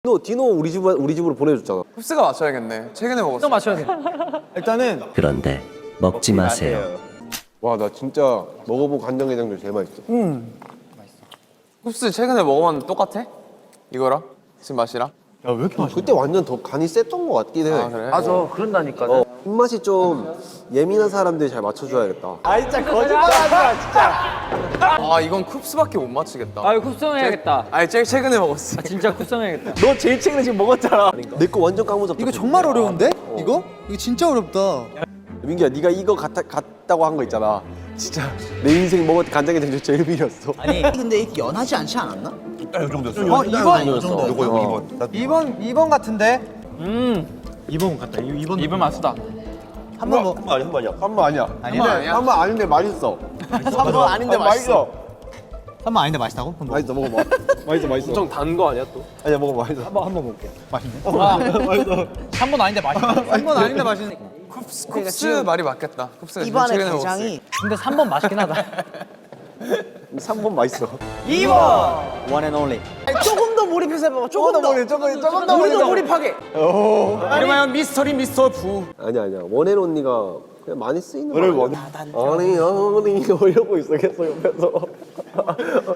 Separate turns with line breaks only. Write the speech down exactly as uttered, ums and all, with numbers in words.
디노, 디노 우리 집 우리 집으로 보내줬잖아.
흡스가 맞춰야겠네. 최근에 먹었어.
또 맞춰야 돼.
일단은
그런데 먹지 마세요.
와, 나 진짜 먹어본 간장게장 중에 제일 맛있어.
흡스 최근에 먹어봤는데 똑같아? 이거랑? 지금 맛이랑?
야 왜 이렇게 맛있어?
그때 완전 더 간이 셌던 것 같긴 해.
아 그래?
맞아, 그런다니까.
어, 입맛이 좀 예민한 사람들이 잘 맞춰줘야겠다.
아 진짜 거짓말하지 마 진짜.
아 이건 쿱스밖에 못 맞추겠다.
아, 이거 쿱성해야겠다.
아니 제일 최근에 먹었어.
진짜 쿱성해야겠다.
너 제일 최근에 지금 먹었잖아.
내 거 완전 까무잡.
이거 정말 어려운데? 이거? 이거 진짜 어렵다.
민기야, 네가 이거 같다, 같다고 한 거 있잖아. 진짜 내 인생 먹었던 간장게장 중에 제일 비렸어.
아니 근데 이게 연하지 않지 않았나?
이 정도였어.
어 이번
요거 요거 이거. 나
이번 이번 같은데.
이번 같다. 이번
입은 맛있다.
한번 뭐
한 번 아니야 한 번이야.
한 번 아니야.
한번 아니야?
한 번 아닌데 맛있어.
한 번 아닌데
아,
맛있어.
한번 아닌데 맛있다고? 한번
맛있어, 먹어봐. 맛있어, 맛있어.
엄청 단 거 아니야 또?
아니야, 먹어봐, 맛있어.
한번 한번 먹게.
한 번 아닌데 맛있다.
한 번 아닌데 맛있는.
쿱스, 쿱스 말이 맞겠다. 쿱스가
입안에
최근에
게장이
근데 삼 번 맛있긴 하다.
삼 번 맛있어.
이 번!
one and only. 조금 더 몰입해서 해봐. 조금 더 몰입. 조금 조금 더
우리도
몰입.
몰입하게.
이름하여 미스터리 미스터 부.
아니야, 아니야. 원앤 언니가 그냥 많이 쓰이는 거 아니야? 아니, 아니, 이러고 있어, 계속 옆에서.